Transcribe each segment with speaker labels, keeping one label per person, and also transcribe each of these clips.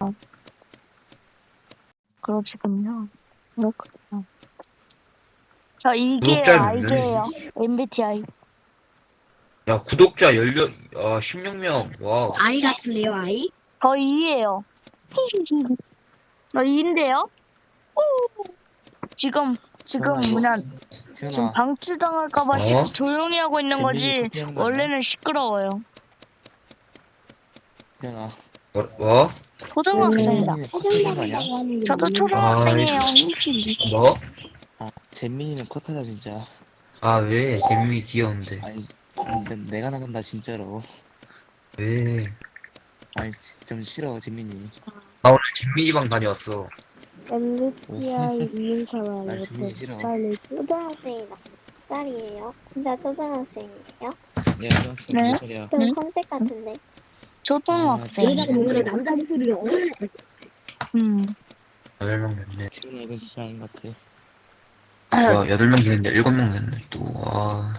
Speaker 1: 그러시군요. 그렇군요. 저 이게요,
Speaker 2: 구독자는 몇
Speaker 1: 알게요.
Speaker 2: 명이지?
Speaker 1: MBTI.
Speaker 2: 야, 구독자 16명. 와우.
Speaker 3: 아이 같은데요, 아이?
Speaker 1: 저 E예요. 저 E인데요? 지금
Speaker 4: 지현아,
Speaker 1: 뭐냐, 지금
Speaker 4: 지현아,
Speaker 1: 방출당할까봐
Speaker 2: 어?
Speaker 1: 조용히 하고 있는
Speaker 4: 잼민이
Speaker 1: 거지.
Speaker 4: 커피하는 거 아니야?
Speaker 1: 원래는 시끄러워요.
Speaker 4: 지현아,
Speaker 2: 뭐?
Speaker 1: 초등학생이다.
Speaker 4: 잼민이는 커피하는 거 아니야?
Speaker 1: 저도
Speaker 2: 아,
Speaker 1: 초등학생이에요.
Speaker 2: 뭐?
Speaker 4: 잼민이는 컷하자 진짜.
Speaker 2: 아, 왜? 재민이 귀여운데.
Speaker 4: 아니, 내가 나간다 진짜로.
Speaker 2: 왜?
Speaker 4: 아니, 좀 싫어 잼민이.
Speaker 2: 나 오늘 재민이 방 다녀왔어.
Speaker 3: MBTI 이인사만
Speaker 4: 아니, 잼민이 싫어.
Speaker 3: 빨리 초등학생이다. 몇 살이에요? 진짜 초등학생이에요?
Speaker 4: 야, 너
Speaker 1: 네?
Speaker 4: 무슨 소리야?
Speaker 3: 좀
Speaker 1: 응?
Speaker 3: 컨셉 같은데.
Speaker 1: 초등학생.
Speaker 3: 남자 목소리가
Speaker 1: 음.
Speaker 2: 8명 됐네.
Speaker 4: 지현아 이건 진짜 아닌 것 같아.
Speaker 2: 와, 8명 됐는데 7명 됐네, 또. 와.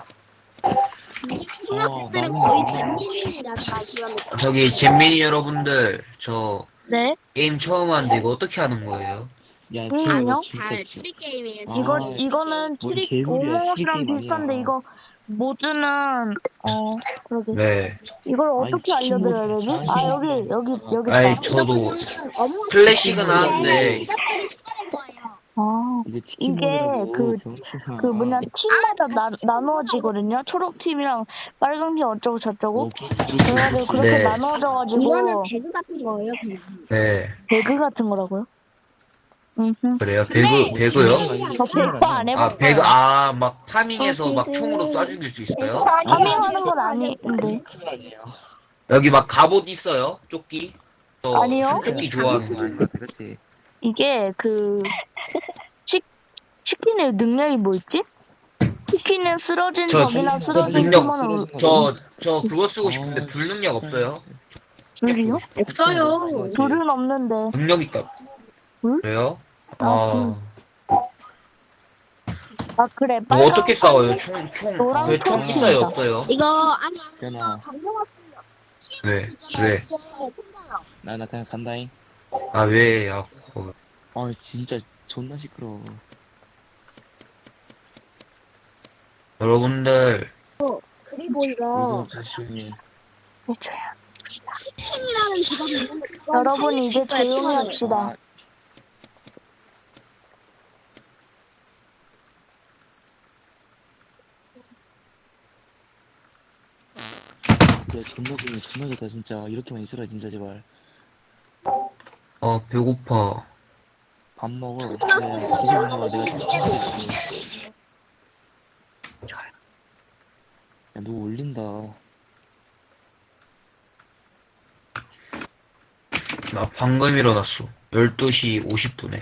Speaker 3: 초등학생들은
Speaker 4: 나는
Speaker 3: 거의
Speaker 4: 나-
Speaker 3: 잼민이라 다 그러면
Speaker 2: 저기, 재민이 여러분들, 저,
Speaker 1: 네?
Speaker 2: 게임 처음 하는데 이거 어떻게 하는 거예요?
Speaker 4: 야,
Speaker 1: 게임이요?
Speaker 4: 지현아
Speaker 3: 잘
Speaker 4: 진짜.
Speaker 3: 추리 게임이에요.
Speaker 4: 아,
Speaker 1: 이거는
Speaker 4: 뭔
Speaker 1: 트릭
Speaker 4: 개소리야,
Speaker 1: 오모옷이랑
Speaker 4: 추리 게임
Speaker 1: 비슷한데
Speaker 4: 아니야.
Speaker 1: 이거 모드는 그러게.
Speaker 2: 네.
Speaker 1: 이걸
Speaker 4: 아니,
Speaker 1: 어떻게
Speaker 4: 치킨
Speaker 1: 알려드려야
Speaker 4: 모드
Speaker 1: 되지?
Speaker 4: 잘하네.
Speaker 1: 아 여기
Speaker 2: 아이,
Speaker 1: 있다.
Speaker 2: 저도 클래식은 하는데,
Speaker 1: 아
Speaker 4: 이게 치킨
Speaker 1: 이게
Speaker 4: 모드라고 병신아.
Speaker 1: 그 뭐냐 팀마다 나누어지거든요. 초록 팀이랑 빨강 팀 어쩌고 저쩌고. 그래가지고 그렇게
Speaker 2: 네.
Speaker 3: 이거는
Speaker 1: 나누어져가지고
Speaker 3: 배그 같은 거예요, 그냥.
Speaker 2: 네.
Speaker 1: 배그 같은 거라고요?
Speaker 2: 그래요? 배그요?
Speaker 1: 저 배그 안
Speaker 2: 아,
Speaker 1: 해봤어요.
Speaker 2: 막, 파밍해서
Speaker 3: 어,
Speaker 2: 막
Speaker 3: 배그.
Speaker 2: 총으로 쏴 죽일 수 있어요?
Speaker 1: 파밍하는 건 아닌데.
Speaker 4: 아니에요.
Speaker 2: 여기 막 갑옷 있어요? 조끼? 저
Speaker 1: 아니요.
Speaker 2: 조끼 좋아하는 거 아니에요?
Speaker 4: 그렇지.
Speaker 1: 이게 치킨의 능력이 뭐 있지? 치킨은 쓰러진
Speaker 2: 저
Speaker 1: 적이나 쓰러진
Speaker 2: 능력,
Speaker 1: 팀원을
Speaker 2: 저 그거 쓰고 싶은데 불능력 없어요?
Speaker 1: 불이요?
Speaker 3: 없어요.
Speaker 1: 불은 없는데.
Speaker 2: 능력 있다.
Speaker 1: 불?
Speaker 2: 그래요?
Speaker 1: 아,
Speaker 2: 아,
Speaker 1: 아 그래
Speaker 2: 뭐
Speaker 1: 빨강
Speaker 2: 어떻게 싸워요?
Speaker 1: 노랑
Speaker 2: 그 총
Speaker 1: 초록팀이다.
Speaker 2: 있어요? 없어요?
Speaker 3: 이거, 아니,
Speaker 4: 지현아,
Speaker 3: 방금 왔어요.
Speaker 2: 왜? 왜?
Speaker 4: 나 그냥 간다잉.
Speaker 2: 아, 왜? 야,
Speaker 4: 진짜 존나 시끄러워.
Speaker 2: 여러분들,
Speaker 3: 그리고 이거
Speaker 4: 이거 조심해.
Speaker 1: 해줘요.
Speaker 3: 치킨이라는 직업이 있는데 그건
Speaker 1: 여러분
Speaker 3: 살릴 수
Speaker 1: 이제
Speaker 3: 있어야
Speaker 1: 조용히
Speaker 3: 팀원을.
Speaker 1: 합시다.
Speaker 4: 야, 존나 좋다 진짜. 이렇게만 있어라 진짜 제발.
Speaker 2: 배고파.
Speaker 4: 밥 먹어. 야, 기술 해봐. 내가 치킨 줄게. 야, 누구 올린다.
Speaker 2: 나 방금 일어났어. 12시 50분에.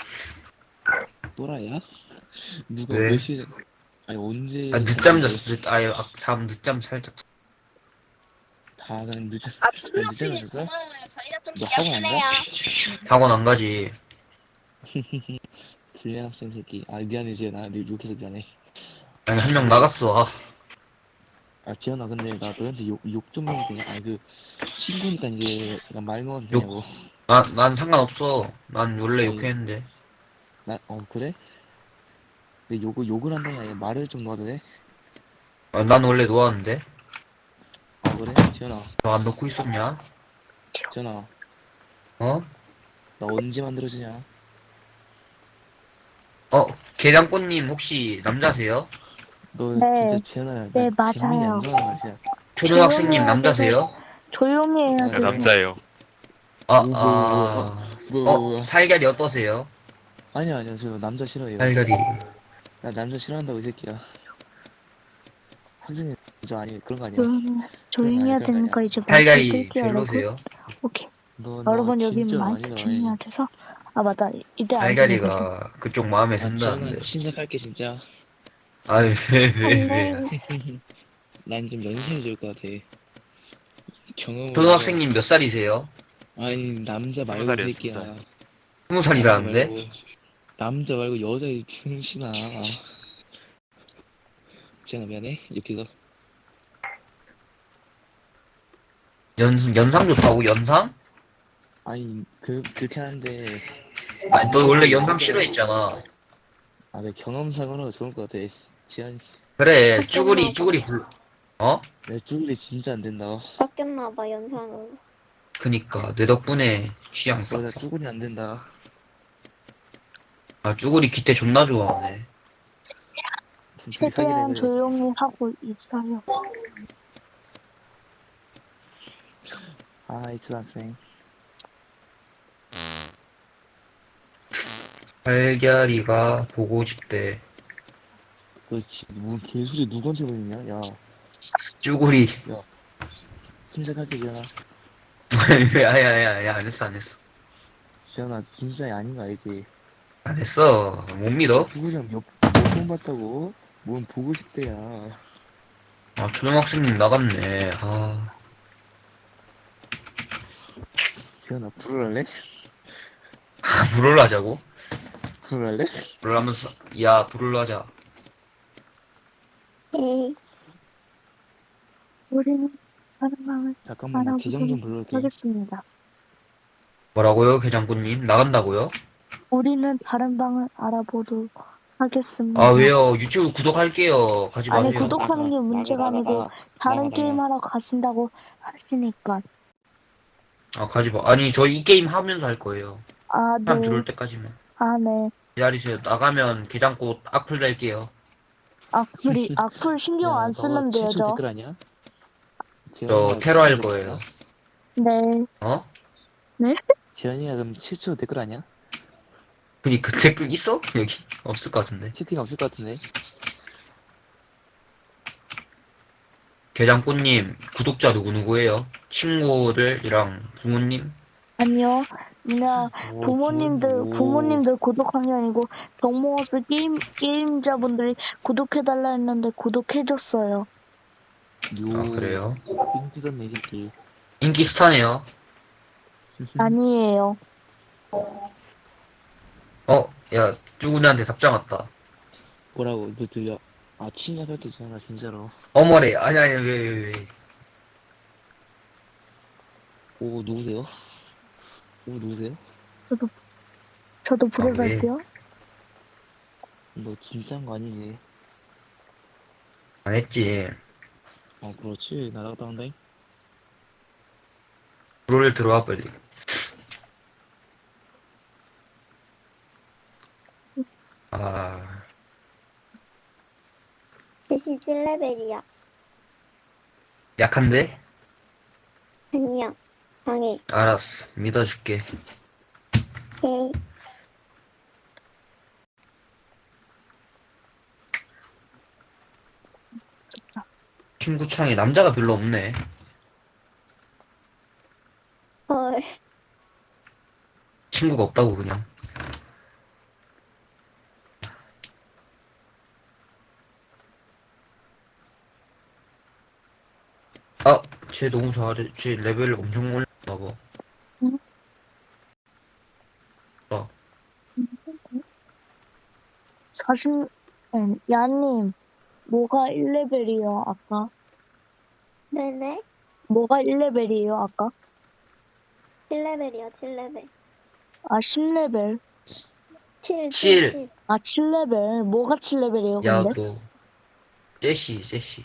Speaker 4: 또라이야? 누가
Speaker 2: 왜?
Speaker 4: 몇 시에? 아니 언제?
Speaker 2: 아, 늦잠 잤어. 늦잠 살짝.
Speaker 4: 다 그냥 늦잠.
Speaker 3: 아,
Speaker 4: 늦잠
Speaker 3: 초등학생이
Speaker 4: 잤어?
Speaker 3: 고마워요. 저희가 좀
Speaker 4: 너 학원 안
Speaker 3: 귀엽네요.
Speaker 2: 학원 안 가지.
Speaker 4: 불량 학생 새끼. 아 미안해 지현아. 욕해서 미안해.
Speaker 2: 아니, 한 명 나갔어.
Speaker 4: 아 지현아 근데 나 너한테 욕 좀 해도 돼? 아니 그 친구니까 이제 약간 말 먹어도 되냐고.
Speaker 2: 난 상관없어. 난 원래
Speaker 4: 아니,
Speaker 2: 욕했는데.
Speaker 4: 그래? 근데 욕을 한다는 게 아니라 말을 좀 놓아도 돼?
Speaker 2: 아, 난 원래 놓았는데.
Speaker 4: 아 그래? 지현아.
Speaker 2: 너 안 놓고 있었냐?
Speaker 4: 지현아.
Speaker 2: 어?
Speaker 4: 나 언제 만들어지냐?
Speaker 2: 계장꽃님 혹시 남자세요?
Speaker 4: 너
Speaker 1: 네.
Speaker 4: 진짜 지현아.
Speaker 1: 네,
Speaker 4: 나 재민이
Speaker 1: 맞아요.
Speaker 4: 안 좋아하는 거야 진짜.
Speaker 2: 초등학생님 남자세요?
Speaker 1: 조용히 해야
Speaker 4: 네,
Speaker 1: 되죠.
Speaker 5: 남자예요.
Speaker 4: 뭐야.
Speaker 2: 살갈이 어떠세요?
Speaker 4: 아니야 저 남자 싫어해요.
Speaker 2: 살갈이.
Speaker 4: 나 남자 싫어한다고 이 새끼야. 학생이 저 아니 그런 거 아니야.
Speaker 1: 조용히 해야
Speaker 4: 그런 거
Speaker 1: 되니까
Speaker 4: 아니야.
Speaker 1: 이제 마이크
Speaker 2: 살갈이
Speaker 1: 끌게요, 여러분.
Speaker 2: 별로세요?
Speaker 1: 오케이.
Speaker 4: 너
Speaker 1: 여러분 여기
Speaker 4: 진짜
Speaker 1: 마이크
Speaker 4: 아니다.
Speaker 1: 조용히 해야 돼서. 아 맞다. 이때 안 들려줘서.
Speaker 2: 살갈이가 그쪽 마음에
Speaker 4: 지현아
Speaker 2: 든다는데.
Speaker 4: 친삭할게 진짜.
Speaker 2: 아유, 왜.
Speaker 4: 난 좀 연습이 좋을 것 같아. 경험을.
Speaker 2: 초등학생님 몇 살이세요?
Speaker 4: 아니 남자 말고
Speaker 5: 20살이에요,
Speaker 4: 이 새끼야.
Speaker 2: 20살이라는데?
Speaker 4: 남자 말고 여자의 병신아. 지현아 미안해. 이렇게 해서.
Speaker 2: 연상 좋다고, 연상?
Speaker 4: 아니 그렇게 하는데
Speaker 2: 아니 너 원래 영상 싫어했잖아.
Speaker 4: 아 내 경험상으로 좋을 것 같아. 지한
Speaker 2: 그래 쭈구리 어?
Speaker 4: 내 쭈글이 진짜 안 된다.
Speaker 3: 바뀌었나봐, 연상으로.
Speaker 2: 그니까 내 덕분에 취향
Speaker 4: 너나
Speaker 2: 싹.
Speaker 4: 쭈글이 안 된다.
Speaker 2: 아 쭈구리 기태 존나 좋아하네.
Speaker 4: 둘이 사귀자
Speaker 1: 최대한
Speaker 4: 그래.
Speaker 1: 조용히 하고 있어요.
Speaker 4: 아 이 초등학생.
Speaker 2: 달걀이가 보고 싶대.
Speaker 4: 너뭔 개소리 누구한테 보이냐? 야
Speaker 2: 쭈구리.
Speaker 4: 침착할게 지현아.
Speaker 2: 야야야야 안 했어 안 했어.
Speaker 4: 지현아 진짜 아닌 거 알지?
Speaker 2: 안 했어. 못 믿어?
Speaker 4: 부부장 몇번 봤다고? 뭔 보고 싶대야.
Speaker 2: 아 초등학생님 나갔네. 아
Speaker 4: 지현아 불을할래?
Speaker 2: 불을 하자고?
Speaker 4: 불을할래?
Speaker 2: 불을 하면서 야 불을 하자.
Speaker 3: 에이,
Speaker 1: 우리는 다른 방을
Speaker 4: 잠깐만 나 계정 좀 불러올게.
Speaker 1: 하겠습니다.
Speaker 2: 뭐라고요 계장군님 나간다고요?
Speaker 1: 우리는 다른 방을 알아보도록 하겠습니다.
Speaker 2: 아 왜요? 유튜브 구독할게요. 가지
Speaker 1: 아니,
Speaker 2: 마세요.
Speaker 1: 구독하는 게 문제가 아니고 다른 게임 하러 가신다고 하시니까.
Speaker 2: 아 가지 마. 아니 저희 이 게임 하면서 할 거예요.
Speaker 1: 아,
Speaker 2: 사람
Speaker 1: 네.
Speaker 2: 들어올 때까지만.
Speaker 1: 아, 네.
Speaker 2: 기다리세요. 나가면 게장꽃 악플 달게요.
Speaker 1: 악플 신경 안 쓰는데요,
Speaker 4: 최초
Speaker 1: 저.
Speaker 4: 댓글 아니야?
Speaker 2: 저 테러 할 거예요.
Speaker 1: 네.
Speaker 2: 어?
Speaker 4: 지현이가 그럼 최초 댓글 아니야?
Speaker 2: 그 댓글 있어? 여기 없을 것 같은데.
Speaker 4: 채팅 없을 것 같은데.
Speaker 2: 게장꽃님 구독자 누구예요? 친구들이랑 부모님?
Speaker 1: 아니요. 그냥
Speaker 4: 오,
Speaker 1: 부모님들 구독한 게 아니고, 덕모어스 게임자분들이 구독해달라 했는데 구독해줬어요.
Speaker 4: 요.
Speaker 2: 아 그래요?
Speaker 4: 삥 뜯었네 이 새끼.
Speaker 2: 인기 스타네요.
Speaker 1: 아니에요.
Speaker 2: 야 쭈구리한테 답장 왔다.
Speaker 4: 뭐라고 너 들려? 아 친절할게 지현아 진짜로.
Speaker 2: 어머래. 아니 왜.
Speaker 4: 오 누구세요? 오 누구세요?
Speaker 1: 저도
Speaker 2: 왜?
Speaker 1: 부르갈게요.
Speaker 4: 너 진짜인 거 아니지?
Speaker 2: 안 했지.
Speaker 4: 아 그렇지 날아갔다 온다잉.
Speaker 2: 롤 들어와 빨리. 아
Speaker 3: 대신 7레벨이야.
Speaker 2: 약한데?
Speaker 3: 아니야. 방해.
Speaker 2: 알았어. 믿어줄게.
Speaker 3: 에이,
Speaker 2: 친구창에 남자가 별로 없네.
Speaker 3: 헐.
Speaker 2: 친구가 없다고 그냥. 아, 쟤 너무 잘해. 쟤 레벨 엄청 올렸나 봐.
Speaker 1: 응? 사실, 야님, 뭐가 1레벨이요, 아까?
Speaker 3: 네네.
Speaker 1: 뭐가 1레벨이에요, 아까?
Speaker 3: 7레벨이야, 7레벨.
Speaker 1: 아, 10레벨.
Speaker 3: 7,
Speaker 2: 7.
Speaker 3: 7.
Speaker 1: 아, 7레벨. 뭐가 7레벨이에요,
Speaker 2: 야,
Speaker 1: 근데?
Speaker 2: 너. 제시.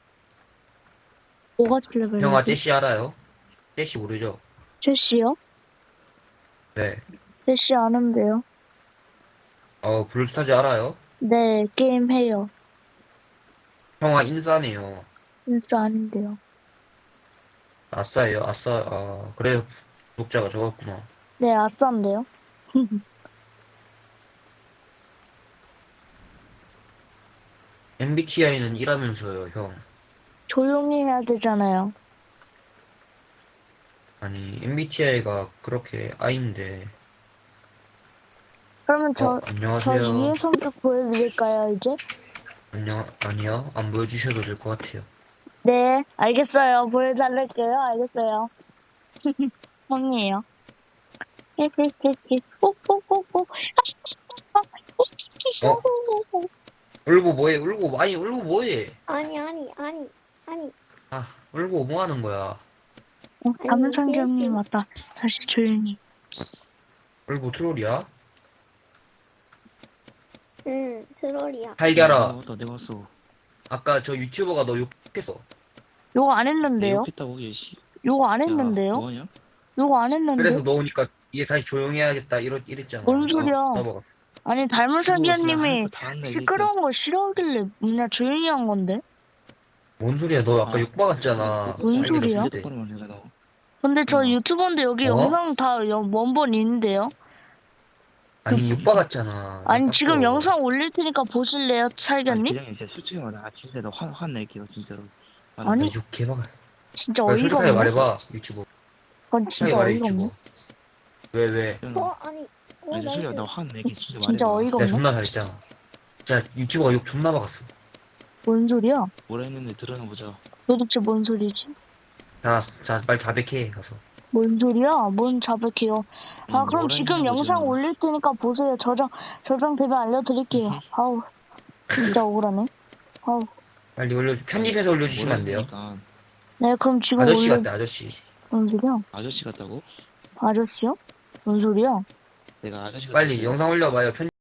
Speaker 1: 뭐가
Speaker 2: 형아,
Speaker 1: 7레벨이지?
Speaker 2: 제시 알아요? 제시 모르죠?
Speaker 1: 제시요?
Speaker 2: 네.
Speaker 1: 제시 아는데요.
Speaker 2: 블루스타즈 알아요?
Speaker 1: 네, 게임 해요.
Speaker 2: 형아, 인싸네요.
Speaker 1: 인싸 아닌데요.
Speaker 2: 아싸예요, 아싸. 그래요. 구독자가 적었구나.
Speaker 1: 네, 아싸인데요.
Speaker 2: MBTI는 이라면서요, 형.
Speaker 1: 조용히 해야 되잖아요.
Speaker 2: 아니, MBTI가 그렇게 I인데.
Speaker 1: 그러면 저
Speaker 2: 안녕하세요.
Speaker 1: 이해 성격 보여드릴까요, 이제?
Speaker 2: 아니요. 안 보여주셔도 될 것 같아요.
Speaker 1: 네, 알겠어요. 보여달랄게요. 알겠어요. 형이에요.
Speaker 2: 울고 뭐해?
Speaker 3: 아니.
Speaker 2: 울고 뭐 하는 거야?
Speaker 1: 담은상경님 왔다. 다시 조용히.
Speaker 2: 뭐 트롤이야?
Speaker 3: 응, 트롤이야.
Speaker 2: 달걀아.
Speaker 4: 내가 왔어.
Speaker 2: 아까 저 유튜버가 너 욕했어.
Speaker 1: 요거 안
Speaker 4: 내
Speaker 1: 했는데요?
Speaker 4: 욕했다고 얘씨.
Speaker 1: 요거 안 했는데요?
Speaker 4: 뭐하냐?
Speaker 1: 요거 안 했는데?
Speaker 2: 그래서 너 오니까 이제 다시 조용해야겠다 이랬잖아.
Speaker 1: 뭔 소리야?
Speaker 2: 먹었어.
Speaker 1: 아니 달문상기님이 시끄러운 거 싫어하길래 그냥 조용히 한 건데?
Speaker 2: 뭔 소리야? 너 아까 욕 박았잖아.
Speaker 1: 뭔
Speaker 2: 달걀아,
Speaker 1: 소리야?
Speaker 2: 진짜.
Speaker 1: 근데 저 유튜버인데 여기
Speaker 2: 어?
Speaker 1: 영상 다 원본 있는데요?
Speaker 2: 아니 욕 박았잖아.
Speaker 1: 아니
Speaker 2: 나
Speaker 1: 지금
Speaker 2: 깜빡.
Speaker 1: 영상 올릴 테니까 보실래요, 살견님?
Speaker 4: 기장님 진짜 솔직히 말해. 진짜 나 화낼게요 진짜로.
Speaker 1: 아니,
Speaker 2: 나 욕 개박아.
Speaker 1: 진짜
Speaker 2: 빨리
Speaker 1: 어이가
Speaker 2: 솔직하게
Speaker 1: 없네.
Speaker 2: 말해봐 유튜버.
Speaker 1: 그건 진짜
Speaker 2: 말해
Speaker 1: 어이가 없네.
Speaker 2: 유튜버. 왜?
Speaker 3: 아니,
Speaker 4: 아니 솔직히
Speaker 3: 나이스.
Speaker 4: 나 화낼게 진짜
Speaker 1: 진짜
Speaker 4: 말해봐.
Speaker 1: 어이가
Speaker 2: 내가
Speaker 1: 없네.
Speaker 2: 존나 잘했잖아. 진짜 유튜버가 욕 존나 박았어.
Speaker 1: 뭔 소리야?
Speaker 4: 뭐라 했는데 들어나 보자.
Speaker 1: 도대체 뭔 소리지?
Speaker 2: 자, 빨리 자백해 가서.
Speaker 1: 뭔 소리야? 뭔 자백해요? 아
Speaker 4: 아니,
Speaker 1: 그럼
Speaker 4: 뭐라
Speaker 1: 지금
Speaker 4: 했냐고,
Speaker 1: 영상
Speaker 4: 지금.
Speaker 1: 올릴 테니까 보세요. 저장되면 알려드릴게요. 아우 진짜 억울하네. 아우
Speaker 2: 빨리 편집해서 올려주시면 안 돼요?
Speaker 4: 뭐라 했으니까
Speaker 1: 네 그럼 지금
Speaker 2: 아저씨
Speaker 1: 올려.
Speaker 2: 같아 아저씨.
Speaker 1: 뭔 소리야?
Speaker 4: 아저씨 같다고?
Speaker 1: 아저씨요? 뭔 소리야?
Speaker 4: 내가 아저씨 같다고
Speaker 2: 빨리
Speaker 4: 했어요?
Speaker 2: 영상 올려봐요.